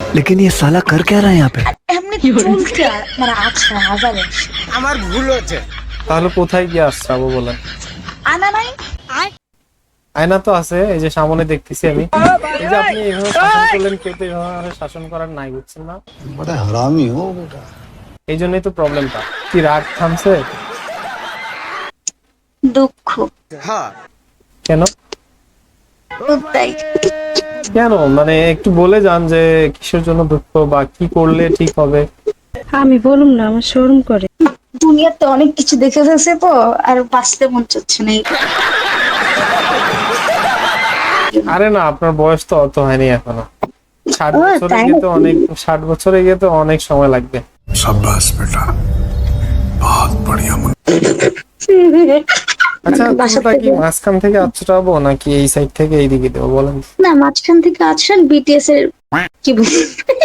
लेकिन ये साला कर क्या रहा है यहाँ पे? এমনি চুলকে মানে আচ্ছা আজাবে আমার ভুল হচ্ছে। তাহলে কোথায় গিয়ে আশ্রাবো বলেন? আনা নাই আয়না তো আছে, এই যে সামনে দেখতেছি আমি। এই যে আপনি এইভাবে শাসন করলেন, কেউ তো এইভাবে শাসন করার নাই, বুঝছেন না? बड़ा हरामी हो बेटा। এই জন্যই তো প্রবলেমটা। কি রাগ থামছে? দুঃখ হ্যাঁ কেন? তাই কেন মানে একটু বলে যান যে কিসের জন্য দুঃখ বা কি করলে ঠিক হবে। আমি বলুম না, আমার শরম করে। দুনিয়াতে অনেক কিছু দেখে ফেলছে তো আর বাঁচতে মন চাচ্ছে না আরে না, আপনার বয়স তো অত হয়নি এখনো। 60 ও, বছরে তাই গিয়ে তো নাকি? অনেক 60 বছরে গিয়ে তো অনেক সময় লাগবে। शाबाश बेटा, बहुत बढ़िया। আচ্ছা, বাসা চুলটা কি থেকে- মাঝখান থেকে আঁচড়াবো নাকি এই সাইড থেকে এইদিকে দেবো বলেন? না মাঝখান থেকে আছেন বিটিএস এর কি বলবো